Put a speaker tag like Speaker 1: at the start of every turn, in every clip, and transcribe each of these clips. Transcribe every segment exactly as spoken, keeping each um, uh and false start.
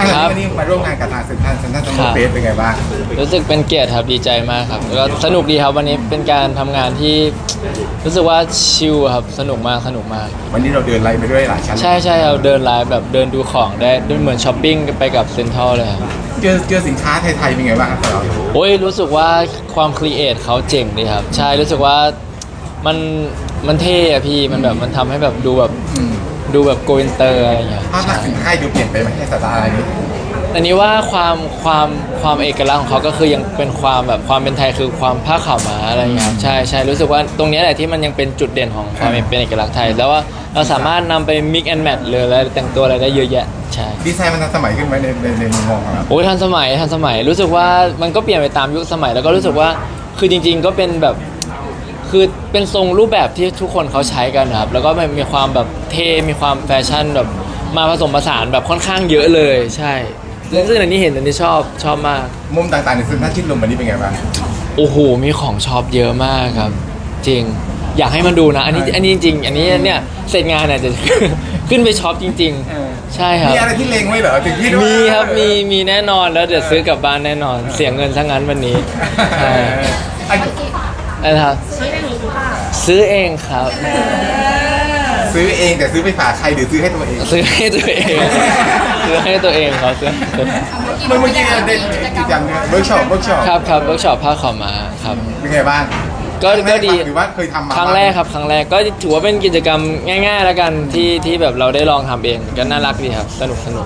Speaker 1: ครับวันนี้มาร่วมงานกับทางเซ็นทรัลเซ็นทรัลซัมเมอร์เฟสเป็นไงบ้าง
Speaker 2: รู้สึกเป็นเกียรติครับดีใจมากครับก็สนุกดีครับวันนี้เป็นการทำงานที่รู้สึกว่าชิลครับสนุกมากสนุกมาก
Speaker 1: วันนี้เราเดินไล่ไปด้วยหลายชั้น
Speaker 2: ใช่ใช่เราเดินไลฟ์แบบเดินดูของได้เหมือนช้อปปิ้งไปกับเซ็นทรัลเลยครับ
Speaker 1: เจอเจอสินค้าไทยๆเป็นไงบ้างครับเรา
Speaker 2: โอ้ยรู้สึกว่าความครีเอทเขาเจ๋งดีครับใช่รู้สึกว่ามันมันเท่อะพี่มันแบบมันทำให้แบบดูแบบดูแบบโกอินเตอร์อะไรอย่างเงี้ย
Speaker 1: ภาพลักษณ์สินค้าดูเปลี่ยนไปไหมในสไตล์อะไรนี้
Speaker 2: อันนี้ว่าความความความเอกลักษณ์ของเขาก็คือยังเป็นความแบบความเป็นไทยคือความผ้าขาวม้าอะไรอย่างเงี้ยครับใช่ใช่รู้สึกว่าตรงนี้แหละที่มันยังเป็นจุดเด่นของความเป็นเอกลักษณ์ไทยแล้วว่าเราสามารถนำไป mix and match เลยแล้วแต่งตัวอะไรได้เยอะแยะใช่
Speaker 1: ดีไซน์มันทันสมัยขึ้นไหมในในในมุมมองของเรา
Speaker 2: โอ้ยทันสมัยทันสมัยรู้สึกว่ามันก็เปลี่ยนไปตามยุคสมัยแล้วก็รู้สึกว่าคือจริงๆก็เป็นแบบคือเป็นทรงรูปแบบที่ทุกคนเขาใช้กันนะครับแล้วก็มันมีความแบบเท่มีความแฟชั่นแบบมาผสมผสานแบบค่อนข้างเยอะเลยใช่ซึ่งอันนี้เห็นอันนี้ชอบชอบมาก
Speaker 1: มุมต่างๆในเซ็นทรัลชิดลมวันนี้เป็นไงบ้าง
Speaker 2: โอ้โหมีของชอบเยอะมากครับจริงอยากให้มันดูนะอันนี้อันนี้จริงอันนี้เนี่ยเสร็จงานเนี่ยจะขึ้นไปช็อปจริงๆใช่ครับ
Speaker 1: มีอะไรที่เล็งไว้เหรอถึงที่
Speaker 2: มีครับมีมีแน่นอนแล้วเดี๋ยวซื้อกลับบ้านแน่นอนเสียเงินซะงั้นวันนี้ใช่อะไรครับซื้อเองครับ
Speaker 1: ซื้อเองแต่ซื้อไปฝากใครหรือซื้อให้ตัวเอง
Speaker 2: ซื้อให้ตัวเองซื้อให้ตัวเองครับซื้อ
Speaker 1: เมื่อกี้เราได้กิจกรรมเวิร์กช็อปเวิร์กช็อป
Speaker 2: ครับครับเวิร์กช็อปผ้าขาวม้าครับ
Speaker 1: เป็นไงบ้าง
Speaker 2: ก็ก็ดี
Speaker 1: หรือว่าเคยทำมา
Speaker 2: ครั้งแรกครับครั้งแรกก็ถือว่าเป็นกิจกรรมง่ายๆแล้วกันที่ที่แบบเราได้ลองทำเองก็น่ารักดีครับสนุกสนุก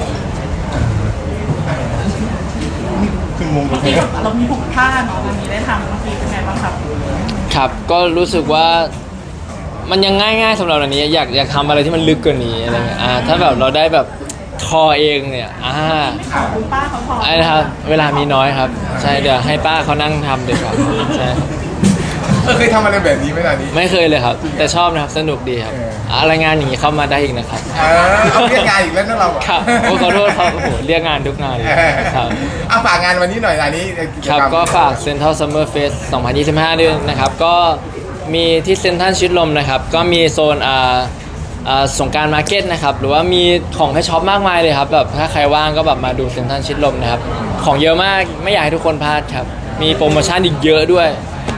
Speaker 1: ขึ้นมุม
Speaker 3: เรามีผูกผ้าเนาะวันนี้ได้ทำเมื่อกี้เป็นไงบ้างครับ
Speaker 2: ครับก็รู้สึกว่ามันยังง่ายๆสำหรับอันนี้อยากอยากทำอะไรที่มันลึกกว่านี้อะไรเงี้ยอ่าถ้าแบบเราได้แบบทอเองเนี่ยอ่า
Speaker 3: คุณป้าเขาทอ
Speaker 2: ไอ้นะครับเวลามีน้อยครับใช่เดี๋ยวให้ป้าเขานั่งทำดีกว่าใช่
Speaker 1: เคยทำอะไรแบบนี้ไหมล่ะนี่
Speaker 2: ไม่เคยเลยครับแต่ชอบนะครับสนุกดีครับอะไรงานอย่างนี้เข้ามาได้อีกนะครับ
Speaker 1: เออเอาเรียกงานอีกแล้วนะเรา
Speaker 2: ครับโอ้ขอโทษครับโอ้โหเรียกงานทุกงานเลยครับ
Speaker 1: เอาฝากงานวันนี้หน่อยอันนี้
Speaker 2: ครับก็ฝาก Central Summer Fest สองพันยี่สิบห้าด้วยนะครับก็มีที่เซ็นทรัลชิดลมนะครับก็มีโซนอ่าอ่าสงการมาร์เก็ตนะครับหรือว่ามีของให้ช็อปมากมายเลยครับแบบถ้าใครว่างก็แบบมาดูเซ็นทรัลชิดลมนะครับของเยอะมากไม่อยากให้ทุกคนพลาดครับมีโปรโมชั่นอีกเยอะด้วย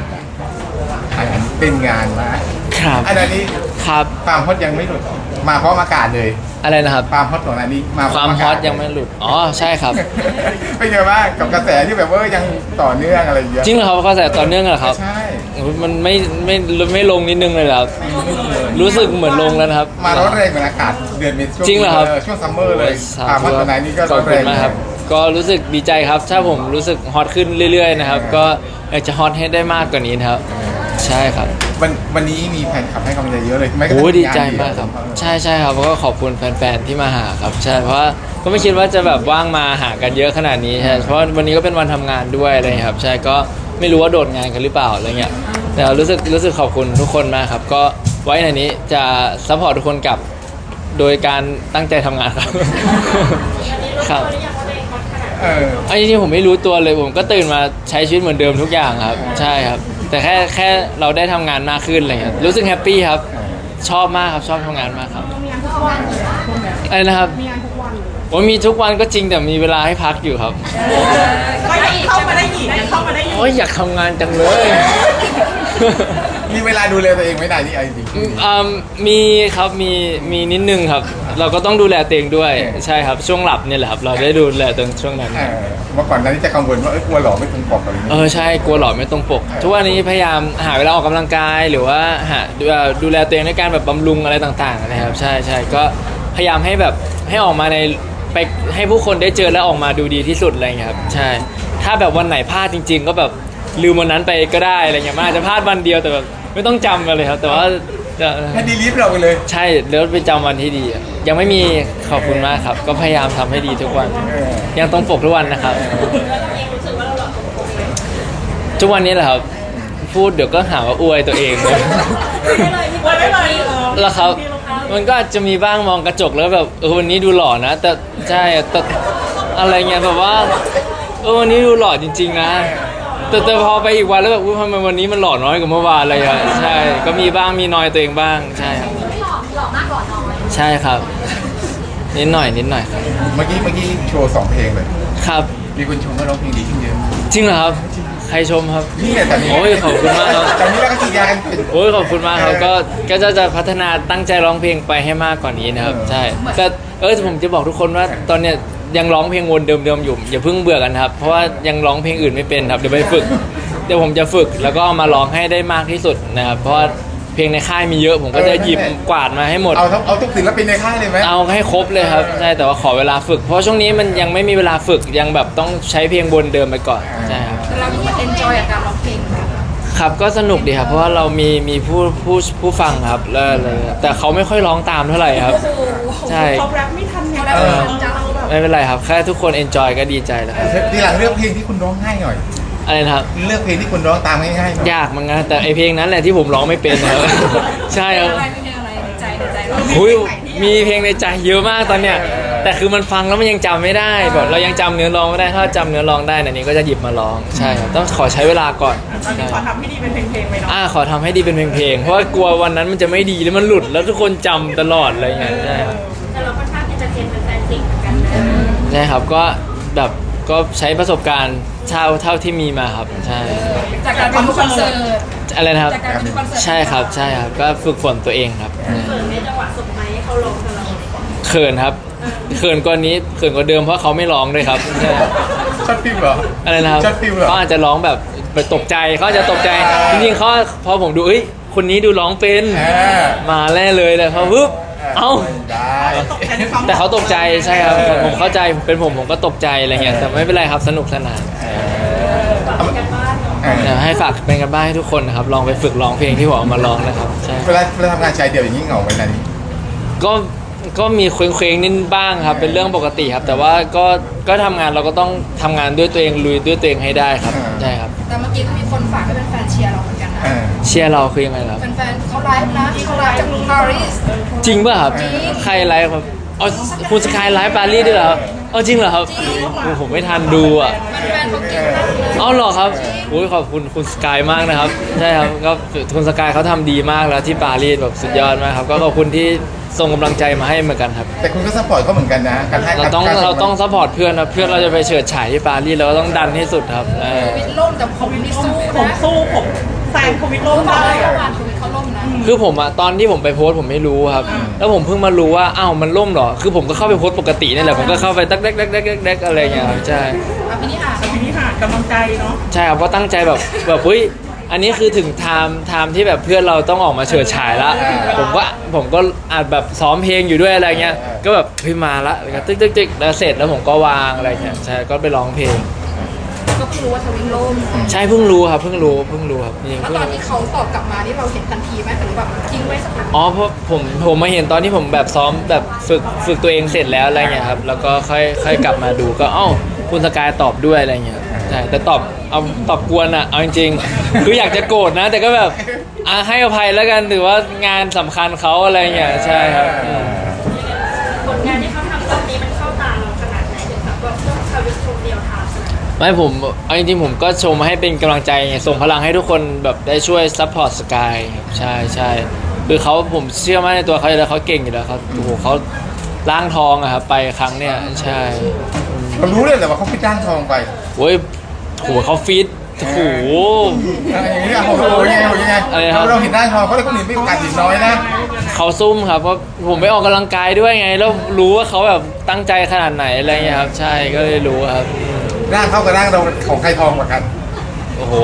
Speaker 1: เป็นงานมา
Speaker 2: ครับ
Speaker 1: อันนี้
Speaker 2: ครับ
Speaker 1: ความฮอตยังไม่หลุดมาเพราะอากาศเลย
Speaker 2: อะไรนะครับ
Speaker 1: ความฮอตของอันนี้มา
Speaker 2: ความฮอตยังไม่หลุดอ๋อใช่ครับ
Speaker 1: เป็นไงบ้างกับกระแสที่แบบว่ายังต่อเนื่องอะไรเยอะ
Speaker 2: จริงเหรอครับกระแสต่อเนื่องเหรอครับ
Speaker 1: ใช่
Speaker 2: มันไม่ไม่ไม่ลงนิดนึงเลยครับรู้สึกเหมือนลงแล้วครับ
Speaker 1: มาร้อนแรงเหมือนอากาศเดือนเมษายน
Speaker 2: จริงเหรอครับ
Speaker 1: ช่วงซัมเมอร์เลยความฮอตตอนนี้ก็
Speaker 2: ร้อนแรงมากครับก็รู้สึกดีใจครับถ้าผมรู้สึกฮอตขึ้นเรื่อยๆนะครับก็อยากจะฮอตให้ได้มากกว่านี้นะครับใช่ครับ
Speaker 1: วันวันนี้มีแฟนคลับให้กำลังใจเยอะเลยไม่ก็
Speaker 2: โอ้ดีใจมากครับใช่ใช่ครับก็ขอบคุณแฟนๆที่มาหาครับใช่เพราะว่าก็ไม่คิดว่าจะแบบว่างมาหากันเยอะขนาดนี้ใช่เพราะวันนี้ก็เป็นวันทำงานด้วยอะไรครับใช่ก็ไม่รู้ว่าโดดงานกันหรือเปล่าอะไรเงี้ยแต่รู้สึกรู้สึกขอบคุณทุกคนมากครับก็ไว้ในนี้จะซัพพอร์ตทุกคนกลับโดยการตั้งใจทำงานครับครับ
Speaker 1: เออ
Speaker 2: อันนี้ผมไม่รู้ตัวเลยผมก็ตื่นมาใช้ชีวิตเหมือนเดิมทุกอย่างครับใช่ครับแต่แค่แค่เราได้ทำงานมากขึ้นอะไรเงี้ยรู้สึกแฮปปี้ครับชอบมากครับชอบทำงานมากครับ
Speaker 3: มีงานทุกวัน
Speaker 2: อะไรนะครับ
Speaker 3: มีงานทุกวัน
Speaker 2: โอ้มีทุกวันก็จริงแต่มีเวลาให้พักอยู่ครับ
Speaker 3: ก็ยังเข้ามาได้อีกเข้ามาได้อีก
Speaker 2: โอ้ยอยากทำงานจังเลย
Speaker 1: มีเวลาดูแลตัวเองไม่ได้นี่ไอ้จริง
Speaker 2: อ่ามีครับมีมีนิดนึงครับเราก็ต้องดูแลตัวเองด้วยใช่ครับช่วงหลับเนี่ยแหละครับเราได้ดูแลตัวช่วงนั้น
Speaker 1: เมื่อก่อนนั้นจะกังวลว่าเอ้ยกลัวหล่อไม่ตรงปกอะไรอย่างเงี้ย
Speaker 2: เออใช่กลัวหล่อไม่ตรงปกทุกวันนี้พยายามหาเวลาออกกำลังกายหรือว่าหาดูแลตัวเองในการแบบบำรุงอะไรต่างๆนะครับใช่ใช่ก็พยายามให้แบบให้ออกมาในไปให้ผู้คนได้เจอและออกมาดูดีที่สุดอะไรเงี้ยครับใช่ถ้าแบบวันไหนพลาดจริงๆก็แบบลืมวันนั้นไปก็ได้อะไรเงี้ยมันอาจจะพลาดวันเดียวแต่แบบไม่ต้องจำกันเลยครับแต่ว่า
Speaker 1: ให้ดีลิฟต์เราไปเลย
Speaker 2: ใช่แล้วไปจำวันที่ดียังไม่มีขอบคุณมากครับก็พยายามทำให้ดีทุกวันยังต้องปกทุกวันนะครับทุกวันนี้แหละครับพูดเดี๋ยวก็หาว่าอวยตัวเองเลยแล้วครับมันก็อาจจะมีบ้างมองกระจกแล้วแบบเออวันนี้ดูหล่อนะแต่ใช่แต่อะไรเงี้ยแบบว่าเออวันนี้ดูหล่อจริงๆนะแต่แต่พอไปอีกวันแล้วแบบทำไมวันนี้มันหล่อน้อยกว่าเมื่อวานอะไรอ่ะใช่ก็มีบ้างมีน้อยตัวเองบ้างใช่ครับ
Speaker 4: หล่อหล่อมากหล่อน้อย
Speaker 2: ใช่ครับนิดหน่อยนิดหน่อยครับ
Speaker 1: เมื่อกี้เมื่อกี้โชว์สองเพลงเลย
Speaker 2: ครับ
Speaker 1: มีคนชมว่าร้องเพลงดีขึ้นเยอะ
Speaker 2: จริงเหรอครับใครชมครับ
Speaker 1: นี่แหละแต่นี้
Speaker 2: โอ้ยขอบคุณมากครับ
Speaker 1: ตอนนี้เราก็ฉีดยากันเป็น
Speaker 2: โอ้ยขอบคุณมากครับก็ก็จะจะพัฒนาตั้งใจร้องเพลงไปให้มากกว่านี้นะครับ
Speaker 1: เออ
Speaker 2: ใช่แต่เออผมจะบอกทุกคนว่าตอนเนี้ยยังร้องเพลงวนเดิมๆอยู่อย่าเพิ่งเบื่อกันครับเพราะว่ายังร้องเพลงอื่นไม่เป็นครับเดี๋ยวไปฝึกเดี๋ยวผมจะฝึกแล้วก็มาร้องให้ได้มากที่สุดนะครับเพราะว่าเพลงในค่ายมีเยอะผมก็จะหยิบกวาดมาให้หมด
Speaker 1: เอาทั้งเอาทุกศิลปินในค่ายเลยไหม
Speaker 2: เอาให้ครบเลยครับใช่แต่ว่าขอเวลาฝึก เพราะช่วงนี้มันยังไม่มีเวลาฝึกยังแบบต้องใช้เพลงวนเดิมไปก่อนใช่ครับ
Speaker 4: เรามีเอนจอยกับการร้องเพลงไหมคะ
Speaker 2: ครับก็สนุกดีครับเพราะว่าเรามีมีผู้ผู้ผู้ฟังครับแล้วเลยแต่เขาไม่ค่อยร้องตามเท่าไหร่ครับ ใช่
Speaker 3: เขาแรปไม่ทันไง
Speaker 4: เขาแรปไม่ทันจ้ะ
Speaker 3: เราแบบ
Speaker 2: ไม่เป็นไรครับแค่ทุกคนเอนจอยก็ดีใจแล้วครับ
Speaker 1: ทีหลังเลือกเพลงที่คุณร้องง่ายหน่อย
Speaker 2: อะไรนะครับ
Speaker 1: เลือกเพลงที่คุณร้องตามง่ายๆหน่อย
Speaker 2: ยากเหมือนกันแต่ไอเพลงนั้นแหละที่ผมร้องไม่เป็นครับ ใช่ครับ
Speaker 4: อะไรไม่เป็นอะไรในใจในใจเรา
Speaker 2: หุยมีเพลงในใจเยอะมากตอนเนี้ยแต่คือมันฟังแล้วมันยังจำไม่ได้แบบเรายังจำเนื้อร้องไม่ได้ถ้าจำเนื้อร้องได้นะนี้ก็จะหยิบมาร้องใช่ครับต้องขอใช้เวลาก่อน
Speaker 3: ตอนนี้ขอทำให้ดีเป็นเพลงๆไปเนาะ
Speaker 2: อ่าขอทำให้ดีเป็นเพลงๆเพราะว่ากลัววันนั้นมันจะไม่ดีแล้วมันหลุดแล้วทุกคนจำตลอดอะไรเงี้ยใช่ครับ
Speaker 4: แต่เราค่อนข้างที่จะเทรนเป็นแฟนจริงเหมือนกันนะ
Speaker 2: ใช่ครับก็แบบก็ใช้ประสบการณ์เท่าเท่าที่มีมาครับใช่
Speaker 4: จากการเป็นคอนเสิร์ต
Speaker 2: อะไรนะครับ
Speaker 4: จากการเป็นคอนเสิร์ต
Speaker 2: ใช่ครับใช่ครับก็ฝึกฝนตัวเองครับ
Speaker 4: เขินในจังหวะสุดไหมเขาร้องกับเรา
Speaker 2: เขินครับเขินกว่านี้เขินกว่าเดิมเพราะเขาไม่ร้องด้วยครับใช่
Speaker 1: ช็อตฟิลเหรอ
Speaker 2: อะไรนะครับ
Speaker 1: ช็อตฟิลเหรอ
Speaker 2: เขาอาจจะร้องแบบแบบตกใจเขาอาจจะตกใจจริงๆเขาพอผมดูเอ้ยคนนี้ดูร้องเป็น
Speaker 1: เออ
Speaker 2: มาแน่เลยเลยเขาปึ๊บเอ้า
Speaker 1: ได้
Speaker 3: ตกใจในความ
Speaker 2: แต่เขาตกใจใช่ครับผมเข้าใจเป็นผมผมก็ตกใจอะไรเงี้ยแต่ไม่เป็นไรครับสนุกสนาน
Speaker 4: ต่อกันบ้านเนาะ
Speaker 1: เออ
Speaker 2: เดี๋ยวให้ฝากเป็นกันบ้านให้ทุกคนนะครับลองไปฝึกร้องเพลงที่ผมเอามาร้องนะครับใช่
Speaker 1: เวลาเวลาทำงานชายเดียวอย่างนี้เหงาไหมนานี้
Speaker 2: ก็ก็มีเคว้งๆนิดบ้างครับเป็นเรื่องปกติครับ แต่ว่าก็ก็ทำงานเราก็ต้องทำงานด้วยตัวเองลุยด้วยตัวเองให้ได้ครับใช่ครับ
Speaker 4: แต่เมื่อกี้ก็มีคนฝากให้เป็นแฟนเชียร์เราเหมือนกันนะ
Speaker 1: เออ
Speaker 2: เชียร์เราคือยังไงครับ
Speaker 4: แฟนๆเขาไลฟ์นะเขาไลฟ์จากปารีส
Speaker 2: จริงป่ะครับ
Speaker 4: จริง
Speaker 2: ใครไลฟ์ครับอ๋อคุณสกายไลฟ์ปารีสด้วยเหรอครับอ๋อจริงเหรอครับโอ้ผมไม่ทันดูอ่ะ
Speaker 4: แฟนๆเขากินมากเลย
Speaker 2: เอาเหรอครับโอ้ยขอบคุณคุณสกายมากนะครับใช่ครับก็คุณสกายเขาทำดีมากแล้วที่ปารีสแบบสุดยอดมากครับก็ขอบคุณที่ส่งกำลังใจมาให้เหมือนกันครับ
Speaker 1: แต่คุณก็ซัพพอร์ตเขาเหมือนกันนะการให้
Speaker 2: เราต้อง
Speaker 1: กส่
Speaker 2: เราต้องซัพพอร์ตเพื่อนนะเพื่อนเราจะไปเฉิดฉายที่ปารีสเราก็ต้องดันที่สุดครับเออ
Speaker 4: ชีวิตล่มแต่ผมนี่สู้
Speaker 3: ผม
Speaker 4: นะ
Speaker 3: สู้ผมแซงโควิดโล
Speaker 4: เขา
Speaker 3: ก
Speaker 4: บอก
Speaker 3: ได้
Speaker 4: ว่า
Speaker 3: อะ
Speaker 4: เมื่อวานชีวิตเขาล่มนะ
Speaker 2: คือผมอะตอนที่ผมไปโพสต์ผมไม่รู้ครับ แล้วผมเพิ่งมารู้ว่าอ้าวมันล่มเหรอคือผมก็เข้าไปโพสต์ปกตินี่แหละผมก็เข้าไปตักเด็กเด็กเด็กเด็กอะไรอย่างเงี้ยครับใช่
Speaker 4: อ่ะพี่นี่อ่ะ
Speaker 3: แต่ทีนี้ค่ะกำลังใจเนาะ
Speaker 2: ใช่ครับก็ตั้งใจแบบแบบเฮ้ยอันนี้คือถึงไทม์ไทม์ที่แบบเพื่อนเราต้องออกมาเฉิดฉายละผมก็ผมก็อาจแบบซ้อมเพลงอยู่ด้วยอะไรเงี้ยก็แบบเฮ้ยมาละแล้วก็ตึ๊กตึ๊กตึ๊กแล้วเสร็จแล้วผมก็วางอะไรเงี้ยใช่ก็ไปร้องเพลง
Speaker 4: ก็เพิ่งรู้ว่าทวิงล่ม
Speaker 2: ใช่เพิ่งรู้ครับเพิ่งรู้เพิ่งรู้ครับจริง
Speaker 4: แล้ว
Speaker 2: เพิ่ง
Speaker 4: ตอน
Speaker 2: รู้
Speaker 4: ที่เขาตอบกลับมานี่เราเห็นทันทีไหมหรือแบบทิ้งไว้สักพัก
Speaker 2: อ๋อเพราะผมผมมาเห็นตอนที่ผมแบบซ้อมแบบฝึกฝึกตัวเองเสร็จแล้วอะไรเงี้ยครับแล้วก็ค่อยค่อยกลับมาดูก็เอ้าคุณสกายตอบด้วยอะไรเงี้ยครับใช่แต่ตอบเอาตอบกวนอะเอาจริงๆคืออยากจะโกรธนะ แต่ก็แบบอ่ะให้อภัยแล้วกันถือว่างานสำคัญเขาอะไรเงี้ยใช่ครับอืม
Speaker 4: ผลงานที่เขาทำตอนนี้มันเข้าตาเราขนาดไหนถึงแบบว่าต้องทวิตชมเดียวทำ
Speaker 2: ไม่ผมเอาจริงๆผมก็ชมให้เป็นกำลังใจไงส่งพลังให้ทุกคนแบบได้ช่วยซัพพอร์ตสกายใช่ใช่คือเขาผมเชื่อมั่นในตัวเขาอยู่แล้วเขาเก่งอยู่แล้วเขาโอ้โหเขาล้างทองอะครับไปครั้งเนี้ยใช่
Speaker 1: เรารู้เลยแต่ว่าเขาไปจ้างทองไป
Speaker 2: โอ้ยโหเขาฟีดโอ้โห
Speaker 1: อะไรอย่างนี้อ่ะโอ้โหยังไงโอ้โหยังไง
Speaker 2: อะไรครับ
Speaker 1: เราเห็นด้านทองเขาเลยคนอื่นไม่โอกาสเห็นน้อยนะ
Speaker 2: เขาซุ่มครับเพราะผมไปออกกำลังกายด้วยไง แล้วรู้ว่าเขาแบบตั้งใจขนาดไหนอะไรเงี้ยครับใช่ก็เลยรู้ครับ
Speaker 1: ร่างเขากับร่างเราของใครทองกว่ากัน
Speaker 2: โอ้โห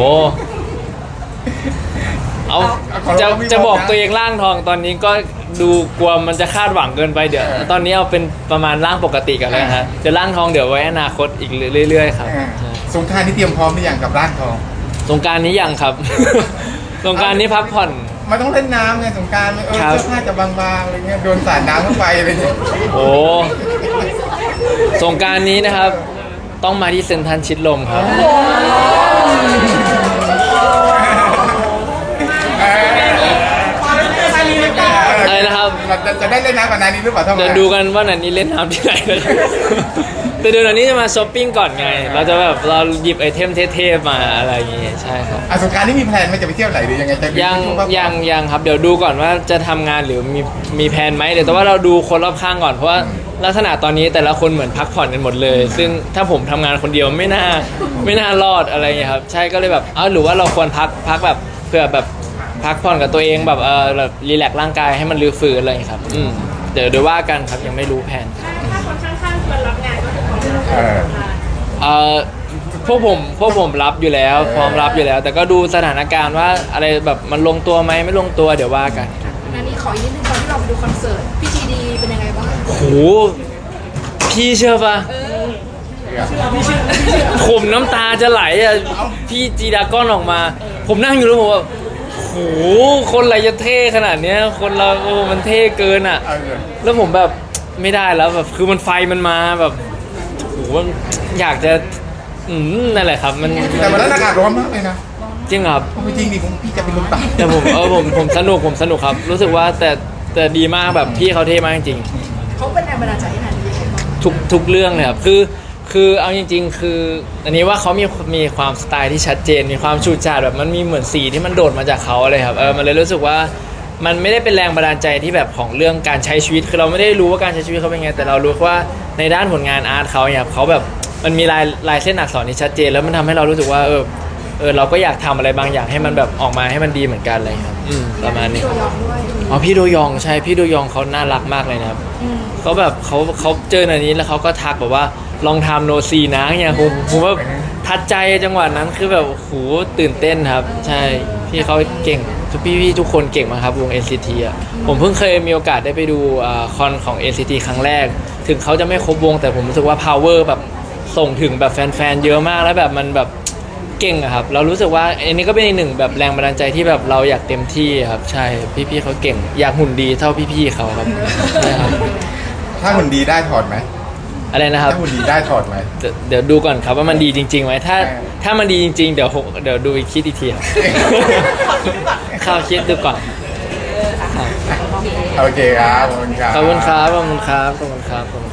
Speaker 2: เอา
Speaker 1: เอา
Speaker 2: จะ
Speaker 1: เอาไม่บอกนะ
Speaker 2: จะบอกตัวเองร่างทองตอนนี้ก็ดูกลัวมันจะคาดหวังเกินไปเดี๋ยว
Speaker 1: เออ
Speaker 2: ตอนนี้เอาเป็นประมาณร่างปกติกันเลยฮะจะร่างทองเดี๋ยวไว้อนาคตอีกเรื่อยๆครับ
Speaker 1: อ่า
Speaker 2: ใช่
Speaker 1: สงกรารนี่เตรียมพร้อมหรือยังกับร่างทอง
Speaker 2: สงกรารนี้ยังครับ สงกรารนี้พักผ่อน
Speaker 1: มันต้องเล่นน้ำไงสงกรารเออ
Speaker 2: ครับ
Speaker 1: เสื้อผ้าจะบางๆอะไรเงี้ยโดนสาดน้ำเข้าไปอะไรเงี้ย
Speaker 2: โอ้สงกรารนี้นะครับ ต้องมาที่เซ็นทรัลชิดลมครับ อะไรนะครับ
Speaker 1: เราจะจะได้เล่นน้ำกับนานี้หรือเปล่าท่าน
Speaker 2: เดี๋ยวดูกันว่านันนี้เล่นน้ำที่ไหนนะครับแต่เดี๋ยวนันนี้จะมาช้อปปิ้งก่อนไง เราจะแบบเราหยิบไอเทมเท่ๆมาอะไรอย่างงี้ใช่ครับ
Speaker 1: อ่ะสงกรารนี่มีแพลนไหมจะไปเที่ยวไหนหรือยังไงจะ
Speaker 2: ยัง
Speaker 1: ช่วพักผ่อน
Speaker 2: ยังยังครับเดี๋ยวดูก่อนว่าจะทำงานหรือมีมีแผนไหมเดี๋ยวแต่ว่าเราดูคนรอบข้างก่อนเพราะว่าลักษณะตอนนี้แต่ละคนเหมือนพักผ่อนกันหมดเลย ซึ่งถ้าผมทำงานคนเดียวไม่น่าไม่น่ารอดอะไรอย่างเงี้ยครับใช่ก็เลยแบบเออหรือว่าเราควรพักพักแบบเพื่อแบบพักผ่อนกับตัวเองแบบเออแบบรีแลกซ์ร่างกายให้มันรื้อฟื้นอะไรอย่างเงี้ยครับอืมเดี๋ยวเดี๋ยวว่ากันครับยังไม่รู้แผน
Speaker 4: ถ้าถ้าคนข้างๆชวนรับงานก็คือพร้อมรับ
Speaker 1: เออ
Speaker 2: เอ่อพวกผมพวกผมรับอยู่แล้วพร้อมรับอยู่แล้ว แต่ก็ดูสถานการณ์ว่าอะไรแบบมันลงตัวไหมไม่ลงตัวเดี๋ยวว่ากัน
Speaker 5: อันนี้ขออีกนิดนึงตอนที่เราไปดูคอนเสิร์ตพี่ทีดีเป็นยังไงบ้าง
Speaker 2: โหพี่เชื่อปะผมน้ำตาจะไหลอ่ะพี่จีดาก้อนออกมา ผมนั่งอยู่แล้วผมว่าโหคนอะไรจะเท่ขนาดเนี้ยคนเราโอ้มันเท่เกินอ่ะ
Speaker 1: เออ
Speaker 2: แล้วผมแบบไม่ได้แล้วแบบคือมันไฟมันมาแบบโหอยากจะอืมนั่นแหละครับมัน
Speaker 1: แต่วันนั้นอากาศร้อนมากเลยนะ
Speaker 2: จริงครับ
Speaker 1: เอาจริงดิผมพี่จะเป็นลมตาย
Speaker 2: แต่ผมเออผมผมสนุกผมสนุกครับ รู้สึกว่าแต่แต่ดีมากแบบพี่เขาเท่มากจริง
Speaker 5: เขาเป็นแรงบันดาลใจให้นานนี้ยังไงบ้าง
Speaker 2: ทุกทุกเรื่องเลยครับคือคือเอาจริง ๆ คืออันนี้ว่าเขามีมีความสไตล์ที่ชัดเจนมีความฉูดฉาดแบบมันมีเหมือนสีที่มันโดดมาจากเขาเลยครับเออมันเลยรู้สึกว่ามันไม่ได้เป็นแรงบันดาลใจที่แบบของเรื่องการใช้ชีวิตคือเราไม่ได้รู้ว่าการใช้ชีวิตเขาเป็นไงแต่เรารู้ว่าในด้านผลงานอาร์ตเขาเนี่ยครับเขาแบบมันมีลายลายเส้นอักษรที่ชัดเจน แล้วมันทำให้เรารู้สึกว่าเออเออเราก็อยากทำอะไรบางอย่างให้มันแบบออกมาให้มันดีเหมือนกันอะไรครับอืมประมาณนี้
Speaker 5: ตัวยองด้วย
Speaker 2: อ๋อพี่โดยองใช่พี่โดยองเขาน่ารักมากเลยนะครับ
Speaker 5: อืม
Speaker 2: เขาแบบเขาเขาเจออันนี้แล้วเขาก็ทักแบบว่าลองทำโนซีนะเนี่ยผมผมว่าทัดใจจังหวะนั้นคือแบบโอ้โหตื่นเต้นครับ ใช่พี่เขาเก่งทุกพี่พี่ทุกคนเก่งมากครับวง เอ็น ซี ที อ่ะผมเพิ่งเคยมีโอกาสได้ไปดูอ่าคอนของ เอ็น ซี ที ครั้งแรก ถึงเขาจะไม่ครบวงแต่ผมรู้สึกว่า power แบบส่งถึงแบบแฟนๆเยอะมากแล้วแบบมันแบบเก่งอะครับเรารู้สึกว่าอันนี้ก็เป็นอีกหนึ่งแบบแรงบันดาลใจที่แบบเราอยากเต็มที่ครับใช่พี่ๆเขาเก่งอยากหุ่นดีเท่าพี่ๆเขาครับใช่ครับ
Speaker 1: ถ้าหุ่นดีได้ถอดไหม
Speaker 2: อะไรนะครับ
Speaker 1: ถ้าหุ่นดีได้ถอดไหม
Speaker 2: เดี๋ยวเดี๋ยวดูก่อนครับว่ามันดีจริงๆไหมถ้า
Speaker 1: เออ
Speaker 2: ถ้ามันดีจริงๆเดี๋ยวผมเดี๋ยวดูอีกคิดอีกทีครับ ข้าวคิดดูก่อนครับ
Speaker 1: โอเคครับขอบคุณครับ
Speaker 2: ขอบคุณครับขอบคุณครับขอบคุณครับขอบคุณ